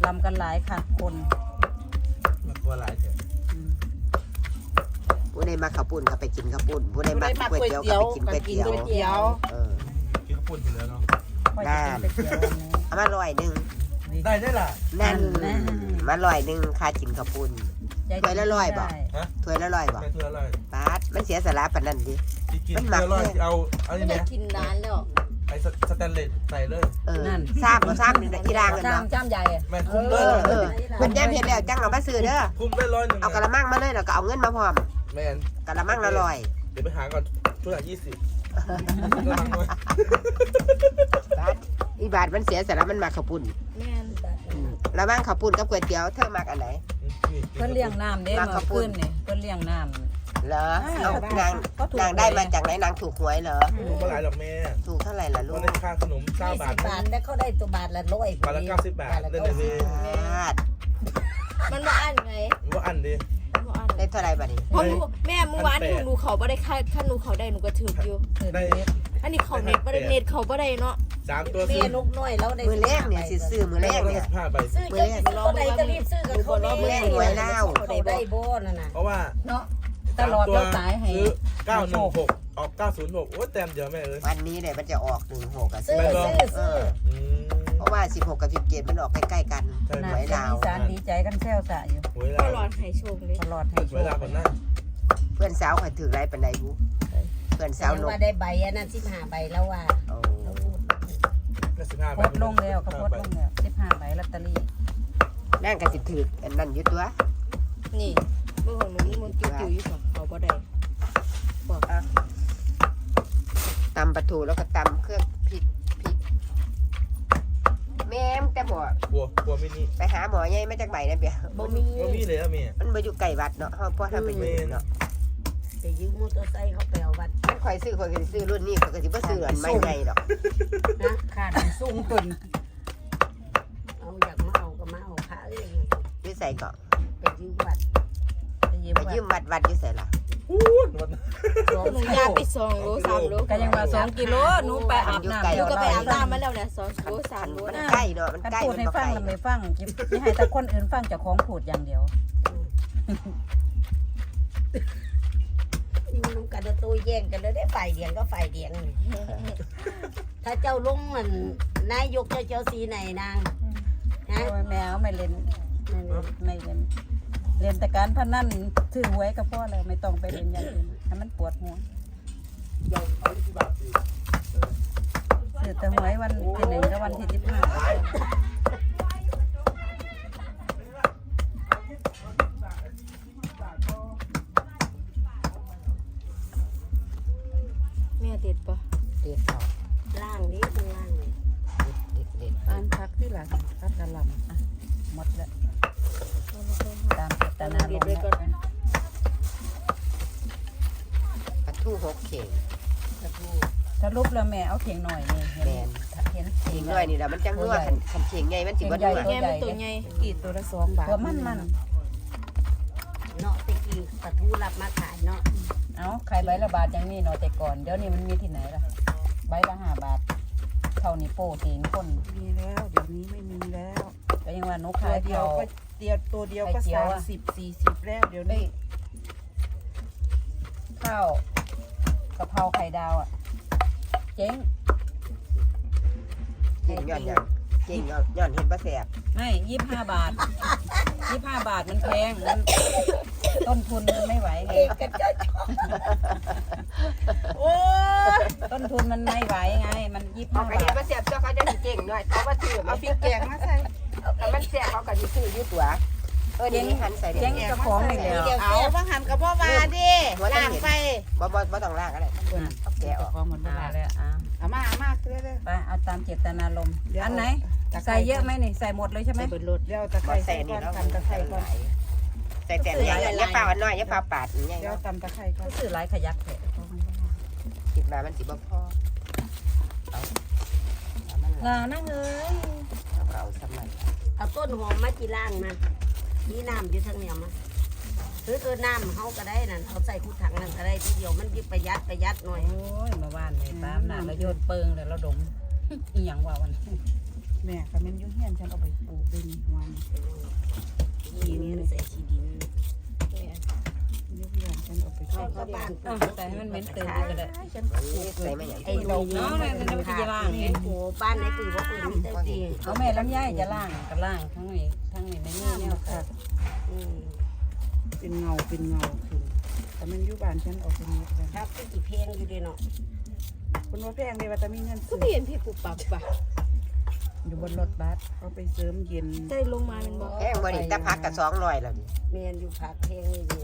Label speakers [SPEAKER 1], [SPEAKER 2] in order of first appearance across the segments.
[SPEAKER 1] ตำกันหลายค่ะคน
[SPEAKER 2] มากลัวหลายเถอะ
[SPEAKER 3] ผู้ใดมาข้าวปุ้นก็ไปกินข้าวปุ้นผู้ใดมาก๋วยเตี๋ยวก็ไปกินก๋วยเตี๋ยว
[SPEAKER 2] กินข้าวปุ้นอยู่แล้วเนาะ
[SPEAKER 3] ได้เอามา100
[SPEAKER 2] ได้ล่ะ
[SPEAKER 3] นั่นมา100ค่ากินข้าวปุ้นถ้วยละ100บ่ถ้วยละ100บ่
[SPEAKER 2] ถ้วยละ100
[SPEAKER 3] บาทมันเสียสาระปานนั้นดิ
[SPEAKER 2] มันหมักเลยเอานี่แหละ
[SPEAKER 4] กินนานแล้ว
[SPEAKER 2] ไอ้สแตนเลสใส่เลย
[SPEAKER 3] นั่นซ้ำนี่อีรางกันเนาะ
[SPEAKER 1] จ้ามใหญ่
[SPEAKER 2] แม่คุ้มเลย
[SPEAKER 3] เพิ่นแย่เฮ็ดแล้วจังเอามาซื้อเด้อ
[SPEAKER 2] คุ้มได้100
[SPEAKER 3] เอากะละมังมาเลยแล้วก็เอาเงินมาพร้อม
[SPEAKER 2] แม่น
[SPEAKER 3] กะละมังละ100
[SPEAKER 2] เดี๋ยวไปหาก่อนช่วยละ20
[SPEAKER 3] อีบาทมันเสียสาระมันมักข้าวปุ้น
[SPEAKER 4] แม่น
[SPEAKER 3] ละมังข้าวปุ้นกับก๋วยเตี๋ยวเธอมักอันไหน
[SPEAKER 1] เพิ่นเลี้ยงน้ำเด้มาขึ้นนี่เพิ่นเลี้ยงน้ำ
[SPEAKER 3] เหรอนางได้มาจากไหนนางถูกหวยเหรอ
[SPEAKER 2] ถูกเท่าไหร่หรอกแม่
[SPEAKER 3] ถูกเท่าไหร่ล่ะลูก
[SPEAKER 2] ได้ค่าขนม9 บาท
[SPEAKER 4] แล้วเขาได้ตัวบาทละ100
[SPEAKER 2] บาทละ90 บาทนั่นเอง
[SPEAKER 4] มันมาอันไง
[SPEAKER 2] ว่าอันดิ
[SPEAKER 3] ได้เท่าไหร่บัดนี้
[SPEAKER 4] เพราะแม่เมื่อวานหนูเขาบ่ได้ค่าหนูเขาได้หนูก็ถืออยู่
[SPEAKER 2] ได้
[SPEAKER 4] อันนี้เขาเน็ตบ่ได้เน็ตเขาบ่ได้เนาะ
[SPEAKER 2] 3ตัว
[SPEAKER 4] แม่นกน้อยแล้วได้
[SPEAKER 3] มื้อแรกเนี่ยสิซื้อมื้อแรกเนี่ย
[SPEAKER 2] 15 ใบ
[SPEAKER 4] มื้อแรกรอได้ก็รีบซื้อกับเขา
[SPEAKER 3] มื้อแรกหวยเล่า
[SPEAKER 4] ได้โบนั่นน่ะ
[SPEAKER 2] เพราะว่า
[SPEAKER 1] เนาะตลอดเราสายให้
[SPEAKER 2] 916ออก906โอ้แต้มเดียวแม่เอ้ย
[SPEAKER 3] วันนี้เนี่ยมันจะออก16กับ
[SPEAKER 4] ซื้อ
[SPEAKER 3] เพราะว่า16กับ17มันออกใกล้ๆกันหวยลาว
[SPEAKER 1] สารดีใจกันแซวสะอยู่
[SPEAKER 4] ตลอดให้โชคเลย
[SPEAKER 1] ตลอดให้โชค
[SPEAKER 3] เพื่อนสาวข่อยถือไรปานใดบุเพื่อนสาวนก
[SPEAKER 4] ว่าได้ใบอันนั้น15ใบแล้วว่า
[SPEAKER 1] โพสลงแล้วเขาโพสลงแล้ว15ใบลอตเตอรี่
[SPEAKER 3] นั่งก็สิถืออันนั้นอยู่ตัว
[SPEAKER 4] นี่เมื่อของหนูนี่มันจิ๋วอยู่ของเขาบ่ได้บอก
[SPEAKER 3] ตำปลาทูแล้วก็ตำเครื่องพริกแม่มแต่บ่
[SPEAKER 2] บัวมินิ
[SPEAKER 3] ไปหาหมอใหญ่มาจากใบนั่นเปีย
[SPEAKER 4] บ่มี
[SPEAKER 2] เลยอะแม่
[SPEAKER 3] มันบ่อยู่ไกลวัดเนาะเฮาพอทำไปอยู่เนาะ
[SPEAKER 4] ไปยืมมอเตอร์ไซค์เขาไปเอาวัด
[SPEAKER 3] มันข่อยซื้อข่อยก็สิซื้อรุ่นนี้ข่อยก็สิบ่ซื้ออันใหม่ใหญ่ดอก
[SPEAKER 4] นะ
[SPEAKER 1] ขาดสูงตุน
[SPEAKER 4] เอาอยากมาเอาก็มาเอาพระเอง
[SPEAKER 3] อยู่ไสก็
[SPEAKER 4] ไปยืมวัด
[SPEAKER 3] ไปยืมวัดอยู่ไสล่ะ
[SPEAKER 4] หนูยาไป2 โล 3 โล
[SPEAKER 1] ก็ยังว่า2 กิโลหนูไปอาบน้ำ
[SPEAKER 4] หนูก็ไปอาบน้ำมาแล้วเนี่ย2 โล 3 โล
[SPEAKER 3] มันใกล้เนาะมันใกล้
[SPEAKER 1] พูดให้ฟังแล้วไม่ฟังสิให้แต่คนอื่นฟังเจ้าของพูดอย่างเดียว
[SPEAKER 4] น้ำกันตัวแย่งกันเลยได้ฝ่ายเดียงก็ฝ่ายเดียงถ้าเจ้าลุงมันนายกเจ้าสีไหนนาง
[SPEAKER 1] นะแมวไม่เล่นไม่เล่นเล่นแต่การพนันถือหวยก็พอแล้วไม่ต้องไปเล่นอย่างอื่นให้มันปวดหัวถือแต่หวยวันที่1กับวันที่15
[SPEAKER 4] แม่ติดปะ
[SPEAKER 3] ติดต่อ
[SPEAKER 4] ล่างนี้ข้างล่างเลย
[SPEAKER 1] อันพักที่หลังพักกระลำหมดแล้วตามเจตนาลงแล้ว
[SPEAKER 3] ปลาทู6 เข่ง
[SPEAKER 1] สรุปแล้วแม่เอาเข่งหน่อยนี่
[SPEAKER 3] แม่น
[SPEAKER 1] เห็น
[SPEAKER 3] เข่งน้อยนี่ล่ะมันจังนัวคันเข่งใหญ่มันสิบ่นัว
[SPEAKER 4] แม่มันตัวใหญ่กี่ตัวละ2 บาท
[SPEAKER 1] ตัวมัน
[SPEAKER 4] เนาะตะกี้ปลาทูรับมาขายเนาะ
[SPEAKER 1] เอาขายใบละบาทอย่างนี้เนาะแต่ก่อนเดี๋ยวนี้มันมีที่ไหนล่ะใบละ5 บาทเท่านี้โป้ตีนคน
[SPEAKER 5] มีแล้วเดี๋ยวนี้ไม่มีแล้ว
[SPEAKER 1] ก็ยังว่าหนูขาย
[SPEAKER 5] เดียวก็ตัวเดียวก็30-40แล้วเดี๋ยวนี้
[SPEAKER 1] ข้าวกะเพราไข่ดาวอ่ะเจ๊ง
[SPEAKER 3] ย้อนเก่งย้อนเห็นบ่แซ่บ
[SPEAKER 1] ไม่25 บาท25 บาทมันแพงมันต้นทุนมันไม่ไหวไง
[SPEAKER 5] โอ้
[SPEAKER 1] ต้นทุนมันไม่ไหวไงมัน25 บาท
[SPEAKER 3] เห็นบ่แซ่บเจ้าเขาจะสิเก่งหน่อยเขาว่าซื้อ
[SPEAKER 5] เอาพริกแกงมาใส่
[SPEAKER 3] แต่มันแซ่บเขาก็สิซื้ออยู่ตัวเดี๋ยวนี้หันใส่
[SPEAKER 1] เจ๊งเจ้าของนี่แล้ว
[SPEAKER 5] เอาบ่หันกับบ่ว่าดิล้างไป
[SPEAKER 3] บ่ต้องล้างอะไรเอาแกะออก
[SPEAKER 1] หมดเวลาแล้ว
[SPEAKER 5] เอามาเด้อ
[SPEAKER 1] ไปเอาตามเจตนารมณ์อันไหนใส่เยอะไหมนี่ใส่หมดเลยใช่ไหม
[SPEAKER 5] เดี๋ยวตะไคร้
[SPEAKER 3] ใส่นี่แล้วตะไคร้ก่อนใส่แต่อย่าเปล่าอันน้อยอย่าเปล่าปาดอย่างเงี้ย
[SPEAKER 5] เดี๋ยวตำตะไคร้ก่อน
[SPEAKER 1] ซื้อหลายขยักแท้
[SPEAKER 3] คิดมามันสิบ่พอ
[SPEAKER 1] นั่งเอ้ย
[SPEAKER 3] เอาสมัย
[SPEAKER 4] เอาต้นหอมมาจีล่างมานี่น้ำอยู่ทางเหนียวมาน้ำเขาก็ได้นั่นเอาใส่คู่ถังนั่นก็ได้ทีเดียวมันยิ่งประหยัดหน่อย
[SPEAKER 1] โอ้ยมาว่านเลยตามน้ำแล้วโยนเปิงเลยแล้วดมอีหยังว่าวัน
[SPEAKER 5] แม่ก็แม่นยุ่งเฮียนฉันเอาไปปลูกด้วยนี่วัน
[SPEAKER 4] านปลูก
[SPEAKER 1] แต่ให้มันเหม็นตื่นก็ได้
[SPEAKER 5] ฉันปลูก
[SPEAKER 3] ใส่มาอย่าง
[SPEAKER 4] ไอ้ดอกเนาะมันจะล่างนี่โอ้บ้านไหนปลูกว่าปลูกมีแต่ดี
[SPEAKER 1] เอาแม่ลำไยจะล่างก็ล่างทั้งนี้ในนี่แนวค่ะ
[SPEAKER 5] เป็นเงาขึ้นแต่มันอยู่บ้านฉันออกเป็นเม็ดเลย
[SPEAKER 4] ครับกี่เพลงอยู่ดีเนาะ
[SPEAKER 5] คุณว่าแพงเลยว่าแต่มีเงิน
[SPEAKER 6] ก็
[SPEAKER 5] ซื้อ
[SPEAKER 6] เปลี่ยนพี่ปูปับปะ
[SPEAKER 5] อยู่บนรถบัสเขาไปเสริมเย็น
[SPEAKER 6] ใจลงมาเป็นบอก
[SPEAKER 3] แห้งบ่นี่ตะพักกับ200แล้วนี่
[SPEAKER 4] เมียนอยู่ผักเพลงนี่อยู่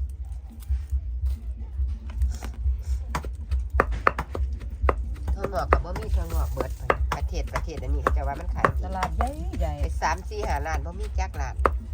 [SPEAKER 3] ทั่วงอกกับบ่มีทั่วงอกเบิดประเทศอันนี้เขาจะว่ามันขาย
[SPEAKER 1] ตลาดใหญ่ใหญ่
[SPEAKER 3] ไป3-4-5 ล้านบ่มีจักล้าน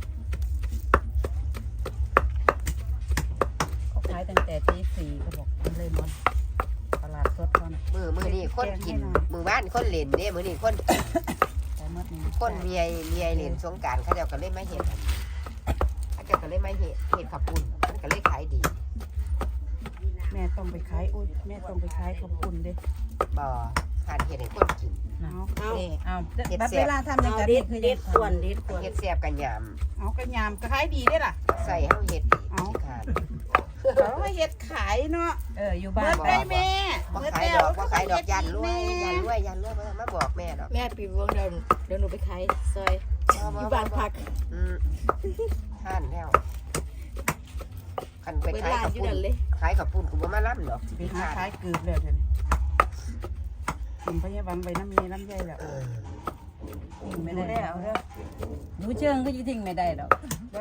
[SPEAKER 1] เขาขายตั้งแต่ตี 4เขาบอกมันเลยหมดตลาดสดเขาน่ะ
[SPEAKER 3] มื้อนี้คนกินมื้อวานคนเล่นเด้มื้อนี้คน
[SPEAKER 1] แต่หมดนี่
[SPEAKER 3] คนเมียเล่นสงกรานต์เขาเจ้าก็เลยมาเฮ็ดเขาเจ้าก็เลยมาเฮ็ดข้าวปุ้นมันก็เลยขายดี
[SPEAKER 5] แม่ต้องไปขายแม่ต้องไปขายข้าวปุ้นเด้
[SPEAKER 3] บ่ขาดเฮ็ดให้คนกิน
[SPEAKER 5] เอา
[SPEAKER 1] เอาบัดเวลาทำอย่าง
[SPEAKER 4] เอา
[SPEAKER 1] กับ
[SPEAKER 4] เด็
[SPEAKER 1] นี้
[SPEAKER 4] ด
[SPEAKER 1] คือ
[SPEAKER 4] เด็ดควรเด็ดควร
[SPEAKER 3] เฮ็ดแซ่บกันยาม
[SPEAKER 5] เอากระยำก็ขายดีได้ล่ะ
[SPEAKER 3] ใส่เฮาเฮ็ดอีกที่ขาด
[SPEAKER 5] เขามาเฮ็ดขายเนาะ
[SPEAKER 1] อยู่บ้า
[SPEAKER 5] เบิ
[SPEAKER 1] น
[SPEAKER 5] ดได้แม่
[SPEAKER 3] บ่
[SPEAKER 5] เบิด
[SPEAKER 3] ขาย
[SPEAKER 5] แล้
[SPEAKER 3] ด
[SPEAKER 5] ว
[SPEAKER 3] อกบ่ขายดอกยันรวยบ่มาบอกแม่ดอก
[SPEAKER 6] แม่ปีวงเดี๋ยวหนูไปขายซอยอยู่บ้านพัก
[SPEAKER 3] ท่านแล้วคันไป
[SPEAKER 6] เปิด
[SPEAKER 3] ขาย
[SPEAKER 6] ร้าน
[SPEAKER 3] ข้าว
[SPEAKER 6] อยู่
[SPEAKER 3] ปุ้
[SPEAKER 6] นั่
[SPEAKER 3] น
[SPEAKER 6] นเลย
[SPEAKER 3] ขายข้าวปุ้นกูบ่มาล่ำดอก
[SPEAKER 5] ไปหาขายเกือบแล้วเดี๋ยวนี้ผมพยาบาลไปน้ำเมน้ำใยแล้ว
[SPEAKER 1] ทิ้งไม่ได้เอาเด้อหนูเชิงก็ยิ่งทิ้งไม่ได้ดอก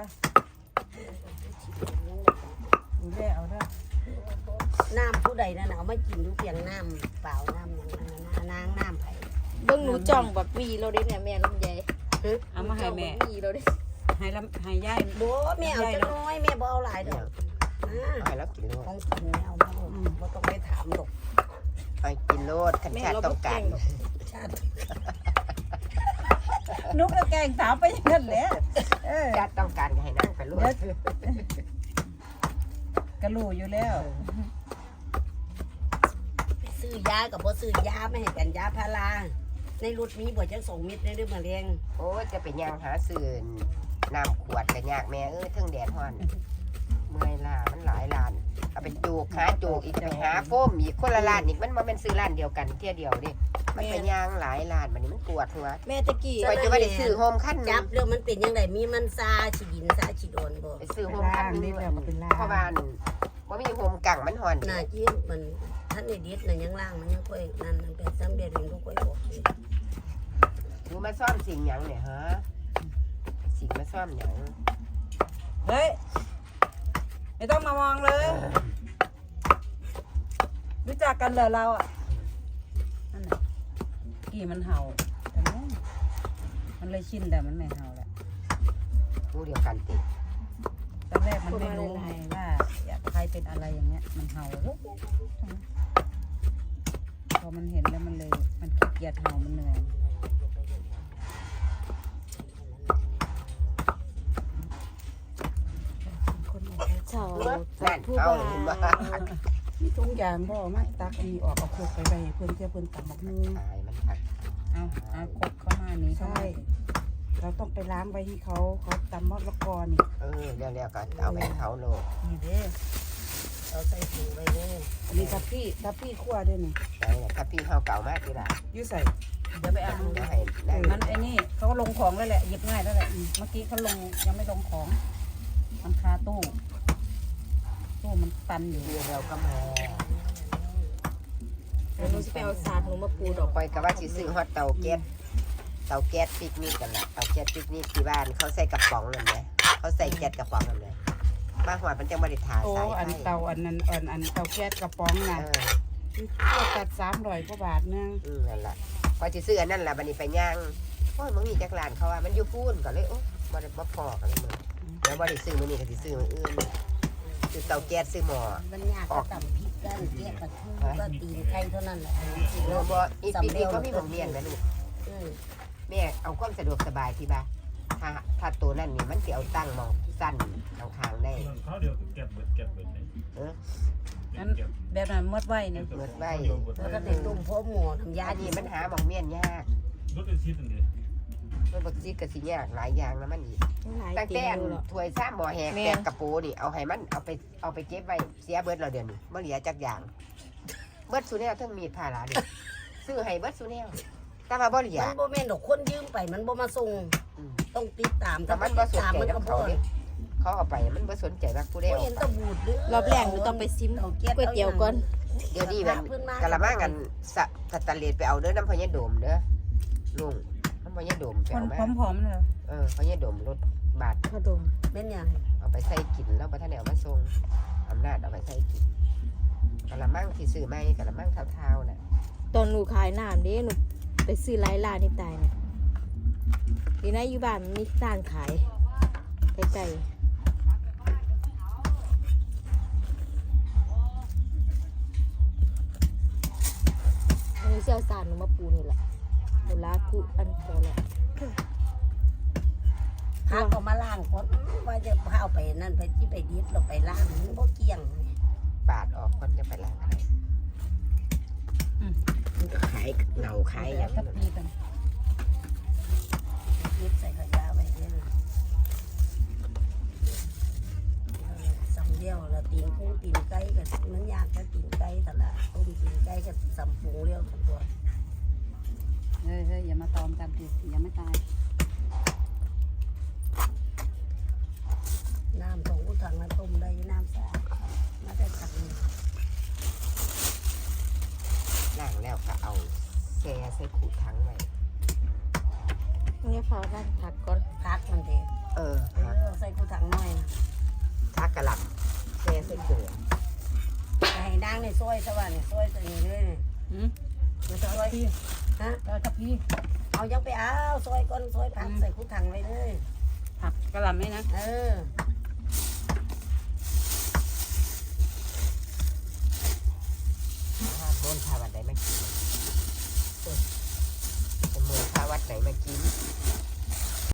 [SPEAKER 5] ดูแลเอาเด้อ
[SPEAKER 4] น้ำผู้ใดนั่นเอามากินดูเพียงน้ำเปล่าน้ำอย่างนั้นนางน้ำไผ่
[SPEAKER 6] เบิ่งหนูจ้องแบบวีเราได้เนี่ยแม่ลำไย
[SPEAKER 1] เอามาให้แม่
[SPEAKER 6] วีเราได้
[SPEAKER 1] ให้ย่าย
[SPEAKER 4] โบแม่เอาจะน้อยแม่บ่เอาหลายดอก
[SPEAKER 3] เอาให้แล้วกินโลด
[SPEAKER 4] ของกินแม่เอามาบ่ต้องไปถามดอก
[SPEAKER 3] ไปกินโลดคันชาติต้องการ
[SPEAKER 4] ชาติ
[SPEAKER 1] นุกแล้วแกงถามไปอย่างนั้นแหละ
[SPEAKER 3] ชาติต้องการก็ให้นั่งไปโลด
[SPEAKER 1] กระลูอยู่แล้ว
[SPEAKER 4] ซื้อยากับบ่ซื้อยาไม่ให้กันยาพาราในรถมีบ่จัง2 เม็ดในเรื่องมะเร็ง
[SPEAKER 3] โอ้จะไปย่างหาซื้อน้ำขวดก็ยากแม่เทิงแดดฮ้อนเมื่อยล้ามันหลายล้านเอาไปจูกหาจูกอีกไปหาโฟมอีกคนละล้านอีกมันบ่แม่นซื้อร้านเดียวกันเที่ยเดียวเด้มันไปย่างหลายล้านบัดนี้มันปวดหัว
[SPEAKER 6] แม่ตะกี้
[SPEAKER 3] ไปจะว่าได้ซื้อโฮมขั้น
[SPEAKER 4] จับเรื่องมันเป็นยังไงมีมันซาฉีดินซาฉีโดนบ่
[SPEAKER 3] ไปซื้อโฮมขั้นนึงเพราะว่าบ่มีโฮมกังมันฮ้อน
[SPEAKER 4] น่าจิ้มมันท่านในดิษน่ะยังล่างมันยังค่อยนั่นมันเป็นซ้ำเดือนนึงก็ค่อยออก
[SPEAKER 3] ดูมาซ่อมสิ่งหยังเนี่ยฮะสิ่งมาซ่อมหยัง
[SPEAKER 1] เฮ้ยไม่ต้องมามองเลยรู้จักกันเหรอเราอ่ะนั่นน่ะกี่มันเห่าแต่มันเลยชินแต่มันไม่เห่าแหละ
[SPEAKER 3] ผู้เดียวกันติ
[SPEAKER 1] ตอนแรกมันไม่รู้ไงว่าอยากใครเป็นอะไรอย่างเงี้ยมันเห่าพอมันเห็นแล้วมันเลยมันขี้เกียจเห่ามันเหนื่อย
[SPEAKER 6] เฉา
[SPEAKER 3] นั่น
[SPEAKER 6] ผู้
[SPEAKER 3] เอา
[SPEAKER 6] บ่า
[SPEAKER 3] เห็นบ่
[SPEAKER 5] มีทุกอย่างพ่อไม่ตักอันนี้ออกเอาโคกไปไปเพื่อนเที่ยวเพื่อนตักบักนึง
[SPEAKER 3] ตายมันผัก
[SPEAKER 1] เอากดเข้ามานี้เข้า
[SPEAKER 5] ใช่
[SPEAKER 1] มา
[SPEAKER 5] เราต้องไปล้างไว้ที่เขาตำมะละกอนี่
[SPEAKER 3] แล้วก็เอาไปเขาโลด
[SPEAKER 1] นี่เด้อ
[SPEAKER 4] เอาใส่ถุงไว้เลย
[SPEAKER 5] อันนี้ทับพี่คั่วด้วยนี่
[SPEAKER 3] ได้ถ้าพี่เฮาเก่ามากทีละ
[SPEAKER 5] ยุ่ใส่
[SPEAKER 1] เดี๋ยวไปเอา
[SPEAKER 3] เดี๋ยวให้ได้
[SPEAKER 1] มันไอ้นี่เขาลงของแล้วแหละหยิบง่ายแล้วแหละเมื่อกี้เขาลงยังไม่ลงของมันคาตู้มันตันอยู่
[SPEAKER 3] เดี๋ยวเราก็มา
[SPEAKER 6] เดี๋ยวหนูจะไปเอาสาดหนูมาปูดอก
[SPEAKER 3] ปล่อยก็ว่าสิซื้อฮอตเตาแก๊สปิกนิกกันล่ะเตาแก๊สปิกนิกที่บ้านเขาใส่กระป๋องนั่นแหละเขาใส่แก๊สกระป๋องนั่นแหละมาหัวมันจังบ่ได้ถ่า
[SPEAKER 5] โอ้
[SPEAKER 3] สาย
[SPEAKER 5] อัน
[SPEAKER 3] ไฟ
[SPEAKER 5] เตาอันนั้นอันเตาแก๊สกระป๋องน่ะคั่วตัด300 กว่าบาทนึง
[SPEAKER 3] นั่นล่ะพอสิซื้ออันนั้นล่ะบัดนี้ไปย่างโอ้ยมึงมีจักร้านเขาว่ามันอยู่ฟูนก็เลยโอ้บ่ได้บ่พอกันเลยมึงแล้วบ่ได้ซื้อมื้อนี้ก็สิซื้อมื้ออื่นซื้อเตาแก๊สซื้อหม้อ
[SPEAKER 4] มันยากก็ตำพริกกันแกะปลาทูก็ตีนไก่เท่านั้นแหละ
[SPEAKER 3] บ่อีปีนี้ก็มีหม่องเมียนแม่ลูกแม่เอาความสะดวกสบายที่บ้านถ้าตัวนั้นนี่มันสิเอาตั้งหม่องสั้นข้างๆได้
[SPEAKER 7] เขาเดียวเก็บเบิดเลย
[SPEAKER 1] งั้นแบบนั้นมดไว้เนี่ย
[SPEAKER 3] เบิดไว้
[SPEAKER 4] แล้วก็ได้ต้มพวกหมูน้ำยา
[SPEAKER 3] อัน
[SPEAKER 4] ดี
[SPEAKER 3] นี้มันหาหม่องเมียนยาก
[SPEAKER 7] รถเป็นชิดอันนี้
[SPEAKER 3] มันบักซีก็สิยากหลายอย่างแล้วมันอีก
[SPEAKER 6] หลาย
[SPEAKER 3] ตั้ง
[SPEAKER 6] กิ
[SPEAKER 3] แต่
[SPEAKER 6] โลหรอก
[SPEAKER 3] ถ้วยซ้ำหม้อแหก
[SPEAKER 6] แม่น
[SPEAKER 3] แตกกระโปนี่เอาให้มันเอาไปเก็บไว้เสียเบิดเราเดือนนี้บ่เหลือจักอย่างเบิดสุแนวทั้งมีดผ่าหลาดิซื้อให้เบิดสุแนวแต่ว่าบ่เหลือ
[SPEAKER 4] มันบ่แม่นดอกคนยืมไปมันบ่มาส่ง
[SPEAKER 3] อืม
[SPEAKER 4] ต้องติดตาม
[SPEAKER 3] แต่มันบ่สน
[SPEAKER 4] ตาม
[SPEAKER 3] ใจ
[SPEAKER 4] มัน
[SPEAKER 3] กั
[SPEAKER 4] ก็
[SPEAKER 3] บ
[SPEAKER 4] บ่
[SPEAKER 3] เขาดิเขาเอาไปมันบ่สนใจว่าผู้ใด
[SPEAKER 4] บ่
[SPEAKER 3] เอา
[SPEAKER 4] เห็น
[SPEAKER 3] ไป
[SPEAKER 4] ตะบูดหรือ
[SPEAKER 6] รอบแรกหนูต้องไปซิมก๋วยเตี๋ยวก่อน
[SPEAKER 3] เดี๋ยวนี้มันกะละมังกันสตะเลดไปเอาเด้อน้ำพญาโดมเด้อลุงน้ำพญาโดมไป
[SPEAKER 5] คน
[SPEAKER 3] เอามา
[SPEAKER 5] ผอมๆเลย
[SPEAKER 3] พญาโดมรถบาท
[SPEAKER 6] ขนม
[SPEAKER 4] เป็นหยัง
[SPEAKER 3] เอาไปใส่กินแล้วบ่ทันได้เอามาส่งอำนาจเอาไปใส่กินกะละมังที่ซื้อใหม่กะละมังเท่าๆน่ะ
[SPEAKER 6] ตอนหนูขายน้ำนี่หนูไปซื้อหลายร้านนี่ตายเนี่ยดีนะอยู่บ้านมีร้านขายใกล้ๆอันนี้เชี่ยวชาญหนูมาปูนี่แหละหนูลาคุอันพอแล้ว
[SPEAKER 4] พาก็มาล้างก่อนว่าจะพาเอาไปนั่นไปที่ไปดิบเราไปล้างมันบ่เกี่ยง
[SPEAKER 3] ปาดออกคนจะไปล้างอะไรมันก็ขายเหงาขายอย่าง
[SPEAKER 1] ทับปีกัน
[SPEAKER 4] ดิบใส่ขยะไว้เด้อสำเดียวแล้วตีนกุ้งตีนไก่ก็มันยากจะตีนไก่แต่ละต้มตีนไก่ก็สำปรุงเรียวทั้งตัว
[SPEAKER 1] เฮ้ยอย่ามาตอมกันสิอย่าไม่ตาย
[SPEAKER 4] น้ำของอุถังมาต้มได้น้ำสะอาดมาได้ถังนึง
[SPEAKER 3] ล้างแล้วก็เอาแช่ใส่ขูดทั้งไว้
[SPEAKER 6] นี่ฟ้าบ้านผักก่อน
[SPEAKER 4] พักมันเด็ก
[SPEAKER 3] พัก
[SPEAKER 4] ใส่กูถังน้อยนะ
[SPEAKER 3] พักกะหล่ำแช่ใส่เกลือ
[SPEAKER 4] ให้นางในซอยสว่างซอยตัวนี้เลยซอยฮะ
[SPEAKER 1] ทับพี่
[SPEAKER 4] เอายังไปเอาซอยก้อนซอยผักใส่กูถังไว้เลย
[SPEAKER 1] ผักกระหล่ำไหมนะ
[SPEAKER 4] เออ
[SPEAKER 3] ถ้าโดนพาวัดไหนมากินจะมือพาวัดไหนมากิน